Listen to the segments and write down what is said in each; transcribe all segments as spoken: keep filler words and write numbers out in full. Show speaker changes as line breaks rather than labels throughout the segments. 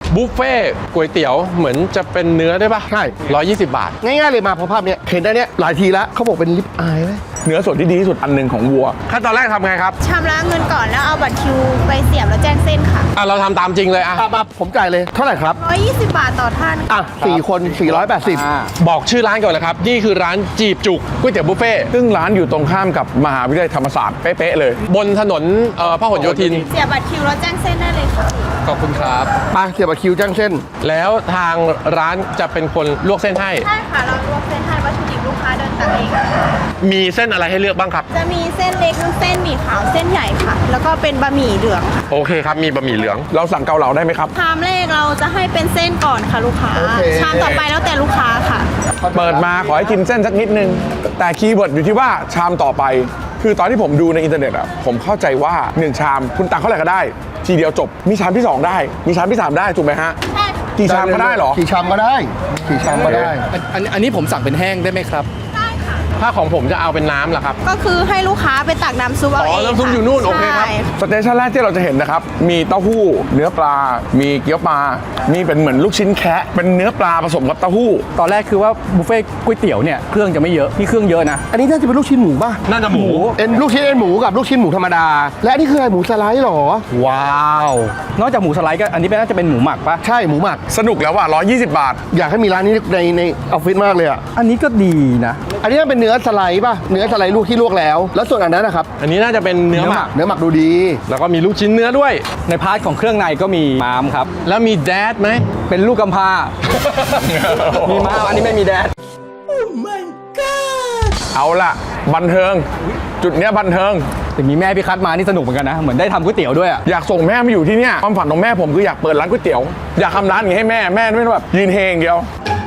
บุฟเฟ่ก๋วยเตี๋ยวเหมือนจะเป็นเนื้อได้ปะ
ใช่
ร้อยยี่สิบบาท
ง่ายๆเลยมาเพราะภาพเนี้ยเห็นได้เนี้ยหลายทีแล้วเขาบอกเป็นลิปอายไหม
เนื้อส่วนที่ดีที่สุดอันหนึ่งของวัว
ขั้นตอนแรกทำไงครับ
ชำระเงินก่อนแล้วเอาบัตรคิวไปเสียบแล้วแจ้งเส้นค่ะ
อ่ะเราทำตามจริงเลยอ่ะ
มาผมจ่ายเลยเท่าไหร่ครับ
หนึ่งร้อยยี่สิบบาทต่อท่าน
อ่ะสี่คนสี่ร้อยแปดสิบ
บอกชื่อร้านก่อนเลยครับนี่คือร้านจีบจุกก๋วยเตี๋ยวบุฟเฟ่
ซึ่งร้านอยู่ตรงข้ามกับมหาวิทยาลัยธรรมศาสตร์เป๊ะๆเลย
บนถนนเอ่อพหลโยธิน
เสียบบัตรคิวแล้วแจ้งเส้นได้เลยค่ะ
ขอบคุณครับ
ไปเสียบคิวจ้างเส้น
แล้วทางร้านจะเป็นคนลวกเส้นให้
ใช่ค่ะเราลวกเส้นให้วัตถุดิบลูกค้าเดินตักเอง
มีเส้นอะไรให้เลือกบ้างครับ
จะมีเส้นเล็กเส้นหมี่ขาวเส้นใหญ่ค่ะแล้วก็เป็นบะหมี่เหลืองค่ะ
โอเคครับมีบะหมี่เหลือง
เราสั่งเกาเหลาได้ไหมครับ
ชามแรกเราจะให้เป็นเส้นก่อนค่ะลูกค้าชามต่อไปแล้วแต่ลูกค้าค่ะ
เปิดมาขอให้กินเส้นสักนิดนึงแต่คีย์เวิร์ดอยู่ที่ว่าชามต่อไปคือตอนที่ผมดูในอินเทอร์เน็ตอ่ะผมเข้าใจว่าหนึ่งชามคุณตักเท่าไหร่ก็ได้ทีเดียวจบมีชามที่สองได้มีชามที่สามได้ถูกไหมฮะ
ใช่
กี่ชามก็ได้หรอ
กี่ชามก็ได้กี่ชามก็ได้
อันอันนี้ผมสั่งเป็นแห้งได้ไหมครับ
ได้ค่ะ
ถ้าของผมจะเอาเป็นน้ำล่ะครับ
ก็คือให้ลูกค้าไปตักน้ำซุปเอาเอง
อ๋อน้ำซุปอยู่นู่นโอเคครับ
สเตชันแรกที่เราจะเห็นนะครับมีเต้าหู้เนื้อปลามีเกี๊ยวปลามีเป็นเหมือนลูกชิ้นแคะเป็นเนื้อปลาผสมกับเต้าหู้
ตอนแรกคือว่าบุฟเฟ่ก๋วยเตี๋ยวเนี่ยเครื่องจะไม่เยอะนี่เครื่องเยอะนะ
อันนี้น่าจะเป็นลูกชิ้นหมูป่ะ
น่าจะหมู
เอ็นลูกชิ้นเอ็นหมูกับลูกชิ้นหมูธรรมดาและนี่คืออะไรหมูสไลด์หรอ
ว้าวนอกจากหมูสไลด์ก็อันนี้เป็นน่าจะเป็นหมูหมักปะ
ใช่หมูหมัก
สนุกแล้วว่ะร้อยยี่สิบบาท
อยากให้มีร้านนี้ในในออฟฟิศมากเลยอ่ะ
อันนี้ก็ดีนะ
อันนี้เป็นเนื้อสไลด์ป่ะเนื้อสไลด์ลูกที่ลวกแล้วแล้วส่วนอันนั้นนะครับ
อันนี้น่าจะเป็นเนื้อหมัก
เนื้อหมักดูดี
แล้วก็มีลูกชิ้นเนื้อด้วย
ในพาร์ทของเครื่องในก็มีม้ามครับ
แล้วมีแดดไหม
เป็นลูกกำพร้ามีม้ามอันนี้ไม่มีแดด
oh my god เอาล่ะบันเทิงจุดเนี้ยบันเทิง
แต่มีแม่พี่คัทมานี่สนุกเหมือนกันนะเหมือนได้ทำก๋วยเตี๋ยวด้วยอะ
อยากส่งแม่มาอยู่ที่เนี่ยความฝันของแม่ผมคืออยากเปิดร้านก๋วยเตี๋ยวอยากทำร้านอย่างนี้ให้แม่แม่ไม่ต้องแบบยืนเฮงเดียว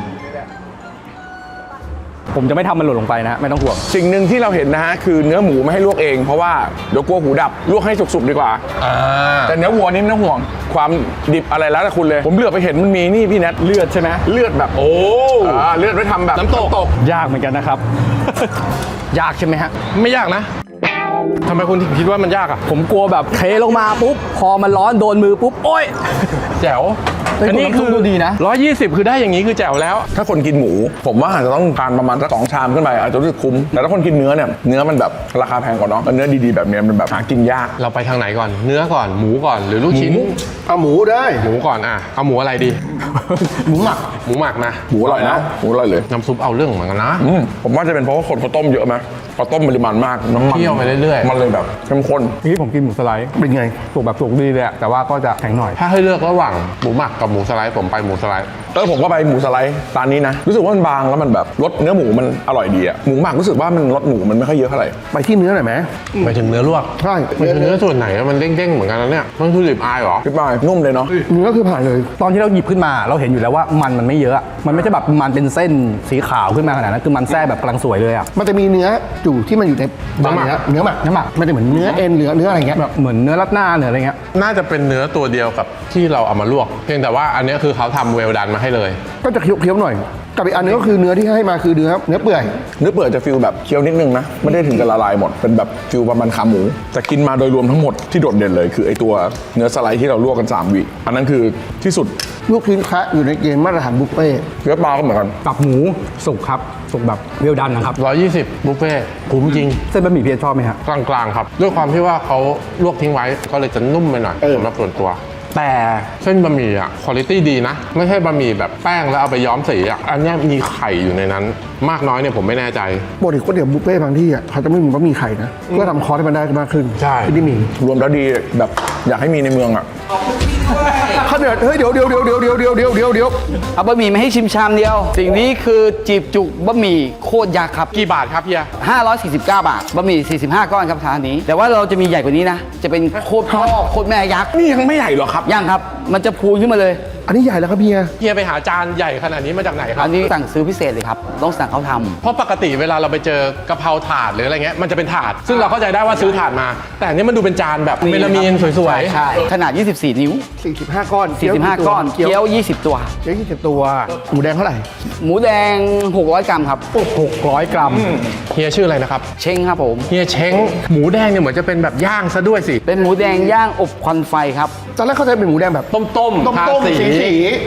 ผมจะไม่ทำมันหล่นลงไปนะไม่ต้องห่วง
สิ่งหนึ่งที่เราเห็นนะฮะคือเนื้อหมูไม่ให้ลวกเองเพราะว่าเดี๋ยวกลัวหูดับลวกให้สุกๆดีกว่าแต่เนื้อวัวนี่ไม่ต้องห่วงความดิบอะไรแล้วแต่คุณเลยผมเลือกไปเห็นมันมีนี่พี่แนท
เลือดใช่ไหม
เลือดแบบโอ้เลือดไว้ทำแบบ
น้ำตก
ยากเหมือนกันนะครับ ยากใช่ไหมฮะ
ไม่ยากนะทำไมคุณถึงคิดว่ามันยากอ่ะ
ผมกลัวแบบเทลงมาปุ๊บพอมันร้อนโดนมือปุ๊บโอ๊ย
แจ๋ว
อันนี้คือดูดีนะ
ร้อยยี่สิบคือได้อย่างนี้คือแจ๋วแล้ว
ถ้าคนกินหมูผมว่าอาจจะต้องการประมาณสักสองชามขึ้นไปอาจจะรู้สึกคุ้มแต่ถ้าคนกินเนื้อเนี่ยเนื้อมันแบบราคาแพงกว่าเนาะเนื้อดีๆแบบนี้มันแบบหากินยาก
เราไปทางไหนก่อนเนื้อก่อนหมูก่อนหรือลูกชิ้น
เอาหมูได้
หมูก่อนอ่ะเอาหมูอะไรดี
หมูหมัก
หมูหมักนะ
หมูอร่อยนะหมูอร่อยเลย
น้ำซุปเอาเรื่องเหมือนกันนะ
ผมว่าจะเป็นเพราะว่าคนเขาต้มเยอะไหมพอต้มปริมาณมากน้ำมัน
เคี่ยวไปเรื่อย
ๆมันเลยแบบเข้มข้น
นี่ผมกินหมูสไลด์
เป็นไง
สุกแบบสุกดีเลยแต่ว่าก็จะแข็งหน่อย
ถ้าให้เลือกระหว่างหมูหมักกับหมูสไลด์ผมไปหมูสไลด์
เออผมก็ไปหมูสไลด์ร้านนี้นะรู้สึกว่ามันบางแล้วมันแบบรสเนื้อหมูมันอร่อยดีอะหมูหมักรู้สึกว่ามันรสหมูมันไม่ค่อยเยอะเท่าไหร่
ไปที่เนื้อหน่อยไหม
ไปถึงเนื้อลวก
ใช่
ไปถึงเนื้อส่วนไหนมันเด้งๆเหมือนกันนะเนี่ยมันคือลิบอายเหรอ
ลิบอายนุ่มเลยเนาะ
เนื้อคือผ่านเลย
ตอนที่เราหยิบขึ้นมาเราเห็นอยู่แล้วว่ามันมันไม่เยอะมันไม่ใช่แบบมันเป็นเส้นสีขาวขึ้นมาขนาดนั้นคือมันแทรกแบบกำลังสวยเลยอะ
มันจะมีเนื้อจู่ที่มันอยู่ในเนื้อเนื้อหมักเนื้อหมักมันจะเหมือนเนื้อเอ็นหรือเนื้ออะไรเงี้ย
แบบเหมือนเนื้อรัดหน้าเนื้ออะไรเงี้ย
น่าจะเป็นเนื้อตัวเดียวกับที่เราเอามาลวกเพียงแต่ว่าอันนี้คือเขาทำเวลดันมาให้เลย
ก็จะเคี้ยวๆหน่อยกับอีกอันนึงก็คือเนื้อที่ให้มาคือเนื้อเนื้อเปื่อย
เนื้อเปื่อยจะฟิลแบบเคี้ยวนิดนึงนะไม่ได้ถึงกับละลายหมดเป็นแบบฟิลประมาณขาหมูแต่กินมาโดยรวมทั้งหมดที่โดดเด่นเลยคือไอตัวเนื้อสไลด์ที่เราลวกกันสามวิอันนั้นคือที่สุด
ลูกชิ้นคะอยู่ในเกณฑ์มาตรฐานบุฟเฟ่
เนื้อปลาก็เหมือนกัน
กับหมูสุกครับสุกแบบเวลดันนะครับ
ร้อยยี่สิบบุฟเฟ่คุ้มจริง
เส้นบะหมี่เพียรชอบไหมฮะ
กลางๆครับด้วยความที่ว่าเขาลวกทิ้งไว้ก็เลยจะนุ่มไปหน่อยสำหรับส่วนตัวแต่เส้นบะหมี่อ่ะคุณภาพดีนะไม่ใช่บะหมี่แบบแป้งแล้วเอาไปย้อมสีอ่ะอันนี้มีไข่อยู่ในนั้นมากน้อยเนี่ยผมไม่แน่ใจ
ปกติก๋วยเตี๋ยวบุฟเฟ่บางที่อ่ะเขาจะไม่มีบะหมี่ไข่นะเพื่อทำคอร์สให้มันได้มากขึ้น
ใช่
ที่มี
รวมแล้วดีแบบอยากให้มีในเมืองอ่ะ
เขาเดือดเฮ้ยเดี๋ยวเดี๋ยวเดี๋ยวเดี๋ยวเดี๋ยวเดี๋ยวเดี๋ยวเดี๋ยวเดี๋ยว
เอาบะหมี่มาให้ชิมชามเดียวสิ่งนี้คือจีบจุกบะหมี่โคตรยักษ์ครับ
กี่บาทครับเฮีย
ห้าร้อยสี่สิบเก้าบาทบะหมี่สี่สิบห้าก้อนครับทานนี้แต่ว่าเราจะมีใหญ่กว่านี้นะจะเป็นโคตรพ่อโคตรแม่ยักษ์
นี่ยังไม่ใหญ่หรอครับ
ยังครับมันจะพูนขึ้นมาเลย
อันนี้ใหญ่แล้วครับเฮีย
เฮียไปหาจานใหญ่ขนาดนี้มาจากไหนครับ
อันนี้สั่งซื้อพิเศษเลยครับต้องสั่งเขาทำ
เพราะปกติเวลาเราไปเจอกะเพราถาดหรืออะไรเงี้ยมันจะเป็นถาดซึ่งเราเข้าใจได้ว่าซื้อถาดมาแต่อันนี้มันดูเป็นจานแบบเมลามีนสวย
ๆใช่ขนาดยี่สิบสี่นิ้ว
สี่สิบห้าก้อน
สี่สิบห้าก้อนเกี๊ยวยี่สิบตัว
เกี๊ยวยี่สิบตัวหมูแดงเท่าไหร่
หมูแดงหกร้อยกรัมครับ
หกร้อยกรัม
เฮียชื่ออะไรนะครับ
เช้งครับผม
เฮียเช้งหมูแดงเนี่ยเหมือนจะเป็นแบบย่างซะด้วยสิ
เป็นหมูแดงย่างอบควันไฟครับ
ตอนแรกเข้าใจเป็นหมูแดงแบบ
ต้มต้ม
ต้มต้มสีสี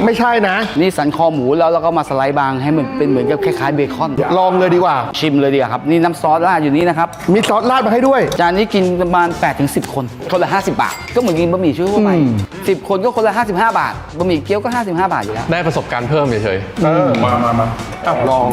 ไม่ใช่นะ
นี่สันคอหมูแล้วเราก็มาสไลด์บางให้มันเป็นเหมือนกับคล้ายๆเบคอน
ลองเลยดีกว่า
ชิมเลยดีกว่าครับนี่น้ำซอสราดอยู่นี่นะครับ
มีซอสราดมาให้ด้วย
จานนี้กินประมาณ แปดถึงสิบ คนคนละห้าสิบบาท ก็เหมือนกินบะหมี่ชั่วไปสิบคนก็คนละห้าสิบห้าบาทบะหมี่เกี๊ยวก็ห้าสิบห้าบาทอยู่แล้ว
ได้ประสบการณ์เพิ่มเฉย
เออมามามาอ่ะลอง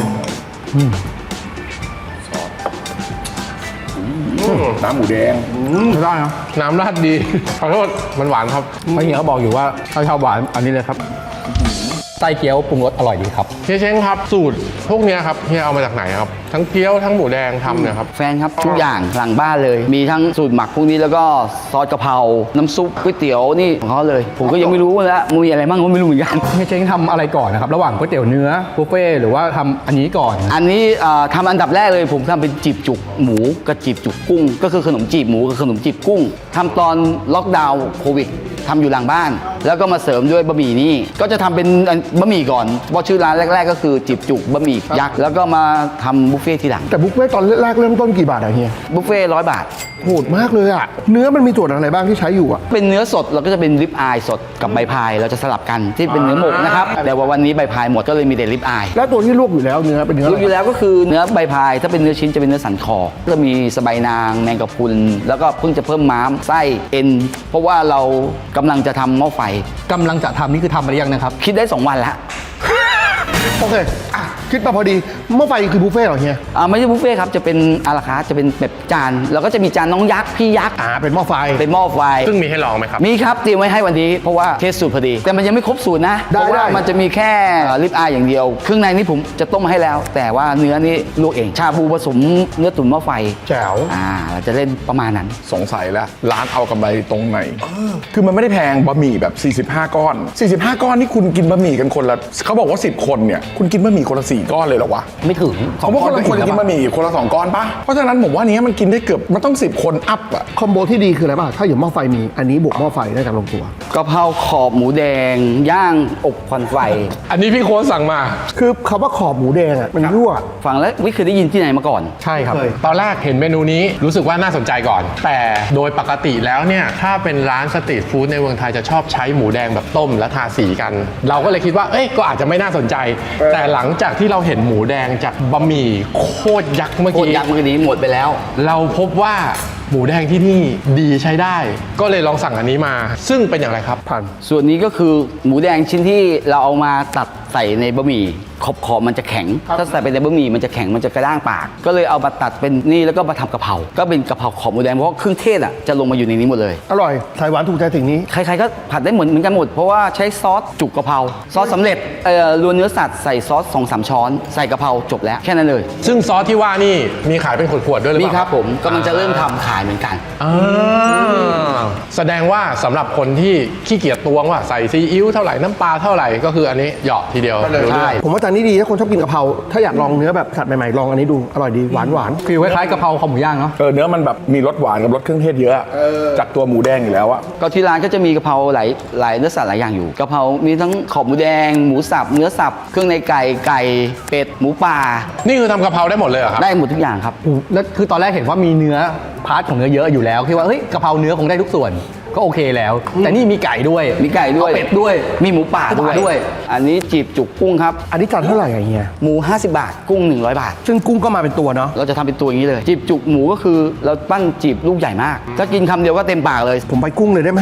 น้ำหมูแดง
ไม่ได้นะ
ๆน้ำราดดี ขอโทษมันหวานครับ
เพราะเฮียเขาบอกอยู่ว่าถ้าชอบหวานอันนี้เลยครับไส้เกี๊ยวปรุงรสอร่อยดีครับ
เฮียเช้งครับสูตรพวกเนี้ยครับเฮียเอามาจากไหนครับ ทั้งเกี๊ยวทั้งหมูแดงทำเนี่ยครับ
แฟนครับทุกอย่างหลังบ้านเลย มีทั้งสูตรหมักพวกนี้แล้วก็ซอสกะเพราน้ำซุปก๋วยเตี๋ยวนี่ของเขาเลย ผมก็ยังไม่รู้แล้วมันมีอะไรบ้างก็ไม่รู้เหมือนกัน
เฮียเช้งทำอะไรก่อนนะครับ ระหว่างก๋วยเตี๋ยวเนื้อบุฟเฟ่ต์หรือว่าทำอันนี้ก่อน
อันนี้เอ่อทำอันดับแรกเลยผมทำเป็นจีบจุกหมูกับจีบจุกกุ้ง ก็คือขนมจีบหมูกับขนมจีบกุ้งทำตอนล็อกดาวน์โควิดทำอยู่หลังบ้าน แล้วก็มาเสริมด้วยบะหมี่นี่ก็จะทำเป็นอันบะหมี่ก่อนเพราะชื่อร้านแรก ๆ ก็คือจีบจุกบะหมี่ยักษ์แล้วก็มาทำบุฟเฟ่ต์ทีหลัง
แต่บุฟเฟ่ต์ตอนแรกเริ่มต้นกี่บาทอะเฮีย
บุฟเฟ่ร้อยบาท
โหดมากเลยอะเนื้อมันมีส่วนอะไรบ้างที่ใช้อยู่อะ
เป็นเนื้อสดเราก็จะเป็นริบอายสดกับใบพายเราจะสลับกันที่เป็นเนื้อหมกนะครับแต่ว่าวันนี้ใบพายหมดก็เลยมีแต่ริบอาย
แล้วตัวที่ลวกอยู่แล้วเนื้อเป็นเนื้ออะ
รู้
ไร
อยู่แล้วก็คือเนื้อใบพายถ้าเป็นเนื้อชิ้นจะเป็นเนื้อสันคอก็มีสะใบายนางแมงกะพรุนแล้วก็เพิ่งจะเพิ่มม้ามไส้เอ็นเพราะว่าเรากำลังจะทำหม้อไฟ
กำลังจะทำนี่คือทำมาหรือยังนะครับ
คิดได้สองวันแล้ว
โอเคอ่ะคิดมาพอดีหม้อไฟคือบุฟเฟ่ต์เหรอเฮีย
อ่าไม่ใช่บุฟเฟ่ต์ครับจะเป็นอาราคาร์ทจะเป็นแบบจานแล้วก็จะมีจานน้องยักษ์พี่ยักษ์
อ่าเป็นหม้อไฟ
เป็นหม้อไฟ
ซึ่งมีให้ลองไหมครับ
มีครับเตรียมไว้ให้วันนี้เพราะว่าเทสสูตรพอดี แต่มันยังไม่ครบสูตรนะ
ได้
เพราะว่า
ได้
มันจะมีแค่ลิปอายอย่างเดียวเครื่องในนี่ผมจะต้มมาให้แล้ว แต่ว่าเนื้อนี่ลวกเองชาบูผสมเนื้อตุ๋นหม้อไฟ
แจ๋ว
อ่าเราจะเล่นประมาณนั้น
สงสัยแล้วร้านเอากำไรตรงไหนคือมันไม่ได้แพงบะหมี่แบบ สี่สิบห้า ก้อน สี่สิบห้า ก้อนนี่คุณกินบะหมี่กันคนละเขาบอกว่า สิบ คนเนี่ยคุณกินบะหมี่คนละสี่ก้อนเลยเหรอวะ
ไม่ถึงสอง
เขาบอก
ก้
ค
อน
น
ก็
ละคน
ถึง
จะกิน
แล้ว
บะหมี่คนละสองก้อนปะเพราะฉะนั้นผมว่านี้มันกินได้เกือบมันต้องสิบคนอัพอะ
คอมโบที่ดีคืออะไรป่ะถ้าอย่างหม้อไฟมีอันนี้บวกหม้อไฟได้จากลงตัว
กะเพราขอบหมูแดง ย่างอบควันไฟ
อันนี้พี่โค้ชสั่งมา
คือคำว่าขอบหมูแดงอ่ะมันรั่ว
ฟังแล้วไม่เคยได้ยินที่ไหนมาก่อน
ใช่ครับ
เคย
ตอนแรกเห็นเมนูนี้รู้สึกว่าน่าสนใจก่อน แต่โดยปกติแล้วเนี่ยถ้าเป็นร้านสตรีทฟู้ดในเมืองไทยจะชอบใช้หมูแดงแบบต้มและทาสีกัน เราก็เลยคิดว่าเอ้ยก็อาจจะไม่น่าสนใจ แต่หลังจากที่เราเห็นหมูแดงจากบะหมี่โคตรยักษ์เมื่อ
โคตร
กี้
ยักษ์เมื่อกี้หมดไปแล้ว
เราพบว่าหมูแดงที่นี่ดีใช้ได้ ก็เลยลองสั่งอันนี้มา ซึ่งเป็นอย่างไรครับพัน
ส่วนนี้ก็คือหมูแดงชิ้นที่เราเอามาตัดใส่ในบะหมี่ขอบขอบมันจะแข็ง ถ้าใส่ไปในบะหมี่มันจะแข็งมันจะกระด้างปาก ก็เลยเอามาตัดเป็นนี่แล้วก็มาทำกะเพราก็เป็นกะเพราขอบหมูแดงเพราะว่าเครื่องเทศอ่ะจะลงมาอยู่ในนี้หมดเลย
อร่อยสายหวานถูกใจสิ่งนี้
ใครๆก็ผัดได้เหมือนเหมือนกันหมดเพราะว่าใช้ซอสจุกกะเพราซอสสำเร็จเอ่อรวนเนื้อสัตว์ใส่ซอสสองสามช้อนใส่กะเพราจบแล้วแค่นั้นเลย
ซึ่งซอสที่ว่านี่มีขายเป็นขวดๆด้วยหรือ
มี
เปล่า
ครับผมกำลังจะเริ่มทำขายเหมือนกัน
อ่าแสดงว่าสำหรับคนที่ขี้เกียจตวงว่าใส่ซีอิ๊วเท่าไหร่น้ำปลาเท่าไหร่ก็คืออันนี้เหยาะทีเดียวรู้เรื่อง
ใช่
ผมว่าจานนี้ดีถ้าคนชอบกินกะเพราถ้าอยากลองเนื้อแบบสัตว์ใหม่ๆลองอันนี้ดูอร่อยดีหวานหวาน
ฟิลคล้ายๆกะเพราคอหมูย่างเนาะ
เออเนื้อมันแบบมีรสหวานกับรสเครื่องเทศเยอะอะจากตัวหมูแดงอยู่แล้วอะ
ก็ที่ร้านก็จะมีกะเพราหลายหลายเนื้อสัตว์หลายอย่างอยู่กะเพรามีทั้งขอบหมูแดง หมูสับเนื้อสับเครื่องในไก่ไก่เป็ดหมูป่า
นี่คือทำกะเพราได้หมดเลยเหรอครับ
ได้หมดทุกอย่างครับ
แล้วคือตอนแรกเห็นว่ามีเนื้อพาร์ทของเนื้อเยอะอยู่แล้วคิดว่าเฮ้ยกะเพราเนื้อคงได้ทุกส่วนก็โอเคแล้ว แต่นี่มีไก่ด้วย
มีไก่ด้วย
เอาเป็ดด้วย
มีหมูป่า
หมู
ด้ว
ป่าย ด้วย
อันนี้จีบจุกกุ้งครับ
อันนี้จานเท่าไหร่อะเฮีย
หมูห้าสิบบาทกุ้งหนึ่งร้อยบาท
ซึ่งกุ้งก็มาเป็นตัวเนาะ
เราจะทำเป็นตัวอย่างนี้เลย จีบจุกหมูก็คือเราปั้นจีบลูกใหญ่มาก ถ้ากินคำเดียวก็เต็มปากเลย
ผมไปกุ้งเลยได้ไหม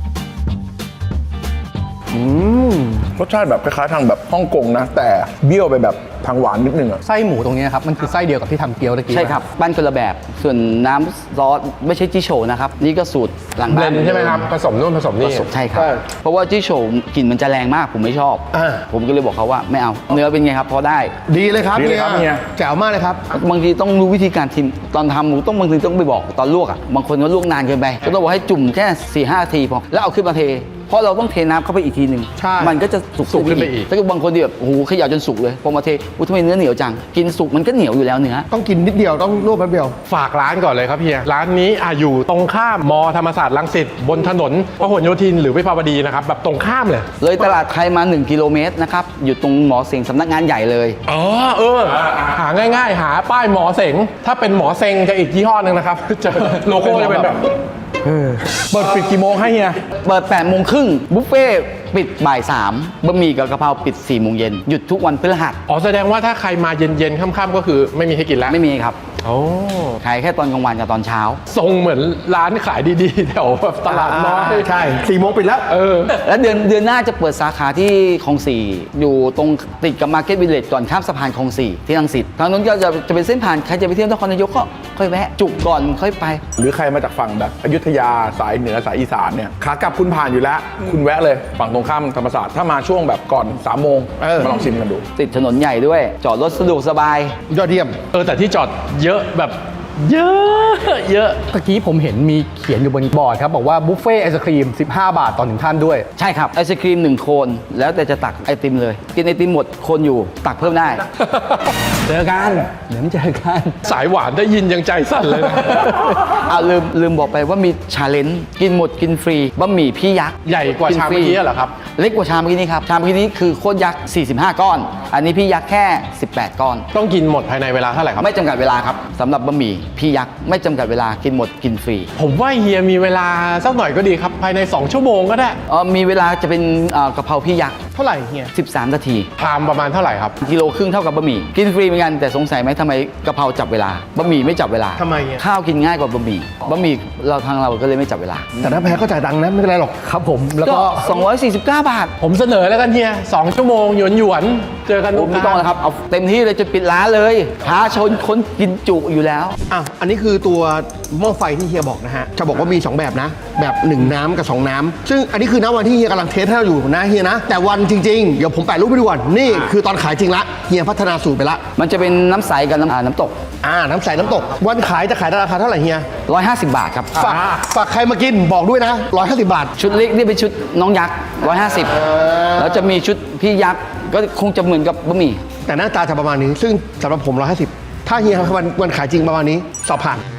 อืม
รสชาติแบบคล้ายๆทางแบบฮ่องกงนะ แต่เบี้ยวไปแบบทางหวานนิดนึงอะ
ไส้หมูตรงนี้ครับมันคือไส้เดียวกับที่ทำเกี๊ยวตะกี้
ใช่ครับปั้นคนละแบบ ส่วนน้ำซอสไม่ใช่จิโฉนะครับ นี่ก็สูตรหลัง
เบล
บ้าน
นด์ใช่ไหมครับ ผสมนู่นผสม
ผ
นี่
สมใช่ครับ
ใช่
เพราะว่าจิโฉกลิ่นมันจะแรงมากผมไม่ชอบ
อ่า
ผมก็เลยบอกเขาว่าไม่เอา เนื้อเป็นไงครับพอได้
ดีเลยครับ
ดีเลยครับเฮีย
แจ๋วมากเลยครับ
บางทีต้องรู้วิธีการทิมตอนทำหมูต้องบางทีต้องไปบอกตอนลวกอ่ะบางคนก็ลวกนานเกินไปก็ต้องบอกให้จุ่มแค่สี่ห้านาทีพอแล้วเอาขึ้นมาเทเพราะเราต้องเทน้ำเข้าไปอีกทีหนึ่ง
ใช่
มันก็จะสุก
สุกขึ้นไปอีก
ถ้าเกิดบางคนที่แบบโอ้โหเขย่าจนสุกเลยพอมาเทอุ้ยทำไมเนื้อเหนียวจังกินสุกมันก็เหนียวอยู่แล้วเนื้อ
ต้องกินนิดเดียวต้องลวกแป๊บเดียว
ฝากร้านก่อนเลยครับเฮีย ร้านนี้อ่ะอยู่ตรงข้ามมอธรรมศาสตร์รังสิตบนถนนพหลโยธินหรือวิภาวดีนะครับ แบบตรงข้ามเลย
เลยตลาดไทยมาหนึ่งกิโลเมตรนะครับอยู่ตรงหมอเสงสำนักงานใหญ่เลย
อ๋อเออ หาง่ายๆ หาป้ายหมอเสง ถ้าเป็นหมอเสงจะอีกยี่ห้อหนึ่งนะครับ จะโลโก้จะเป็นแบบ
เปิดปิดกี่โมงให้เฮีย
เปิดแปดโมงครึ่งบุฟเฟ่ต์ปิดบ่ายสามบะหมี่กับกะเพราปิดสี่โมงเย็นหยุดทุกวันพฤหัส
อ๋อแสดงว่าถ้าใครมาเย็นๆค่ำๆก็คือไม่มีให้กินแล้ว
ไม่มีครับ
โอ้
ขายแค่ตอนกลางวันกับตอนเช้า
ทรงเหมือนร้านขายดีๆแถวแบบตลาดน้อย
ใช่สี่โมงปิดแล้ว
เออ
แล้วเดือนเดือนหน้าจะเปิดสาขาที่คลองสี่อยู่ตรงติดกับมาร์เก็ตวิลเลจก่อนข้ามสะพานคลองสี่ที่รังสิตทางนู้นก็จะจะเป็นเส้นผ่านใครจะไปเที่ยวนครนายกก็ค่อยแวะจุกก่อนค่อยไป
หรือใครมาจากฝั่งแบบอยุธยาสายเหนือสายอีสานเนี่ยขากลับคุณผ่านอยู่แล้ว คุณแวะเลยฝั่งตรงข้ามธรรมศาสตร์ถ้ามาช่วงแบบก่อนสามโมง
เออ
มาลองชิมกันดู
ติดถนนใหญ่ด้วย จอดรถสะดวกสบาย
ยอดเยี่ยม
เออแต่ที่จอดเยอะแบบเยอะเยอะ
ตะกี้ผมเห็นมีเขียนอยู่บนบอร์ดครับบอกว่าบุฟเฟ่ไอศครีมสิบห้าบาทต่อหนึ่งท่านด้วย
ใช่ครับไอศครีมหนึ่งโคนแล้วแต่จะตักไอติมเลย กินไอติมหมดโคนอยู่ตักเพิ่มได้
เจอกัน เดี๋ยวไม่เจอกัน
สายหวานได้ยินยังใจสั่นเลยนะ
เอาลืมลืมบอกไปว่ามีชาเลนจ์กินหมดกินฟรีบะหมี่พี่ยักษ์
ใหญ่กว่าชามเมื่อกี้เหรอครับ
เล็กกว่าชามเมื่อกี้นี้ครับชามเมื่อกี้นี้คือโคตรยักษ์สี่สิบห้าก้อน อันนี้พี่ยักษ์แค่สิบแปดก้อน
ต้องกินหมดภายในเวลาเท่าไหร่ครับ
ไม่จำกัดเวลาครับสำหรับบะหมี่พี่ยักษ์ไม่จำกัดเวลากินหมดกินฟรี
ผมว่าเฮียมีเวลาสักหน่อยก็ดีครับ ภายใน สอง ชั่วโมงก็ได้
เออมีเวลาจะเป็นเอ่อกะเพราพี่ยักษ์
เท่าไหร่เฮีย
สิบสามนาที
ชามประมาณเท่าไหร่ครับ
กิโลครึ่งเท่ากับบะหมี่กินฟรีเหมือนกันแต่สงสัยไหมทำไมกะเพราจับเวลาบะหมี่ไม่จับเวลา
ทำไมอ่ะ
ข้าวกินง่ายกว่าบะหมี่บะหมี่เราทางเราก็เลยไม่จับเวลา
แต่ถ้าแพ้ก็จ่ายตังค์นะไม่เป็นไรหรอก
ครับผมแล้ว
ก็
ก็
สองร้อยสี่สิบเก้าบาท
ผมเสนอแล้วกันเฮียสองชั่วโมงหยวนหยวนๆเจอกัน
โอ้ไม่ต้องแล้วครับ เอาเต็มที่เลยจะปิดร้านเลยท้าชนคนกินจุอยู่แล้ว
อ่ะ อันนี้คือตัวหม้อไฟที่เฮียบอกนะฮะ จะบอกว่ามี สอง แบบนะ แบบหนึ่งน้ำกับสองน้ำ ซึ่งอันนี้คือณวันที่เฮียกำลังเทสให้เราอยู่นะเฮียนะ แต่วันจริงๆ เดี๋ยวผมแปะรูปไปดูก่อนนี่คือตอนขายจริงละ เฮียพัฒนาสูตรไปละ
มันจะเป็นน้ำใสกับน้ำอ่าน้ำตก
อ่า น้ำใสน้ำตก วันขายจะขายราคาเท่าไหร่เฮีย
ร้อยห้าสิบบาทครับ
ฝากฝากใครมากินบอกด้วยนะร้อยห้าสิบบาท
ชุดเล็กนี่เป็นชุดน้องยักษ์ร้อยห้าสิบแล้วจะมีชุดพี่ยักษ์ก็คงจะเหมือนกับบะหมี่
แต่หน้าตาจะประมาณนี้ ซึ่งสำหรับผมร้อยห้าสิบถ้าเฮียวันวันขายจริงประมาณนี้สอบผ่าน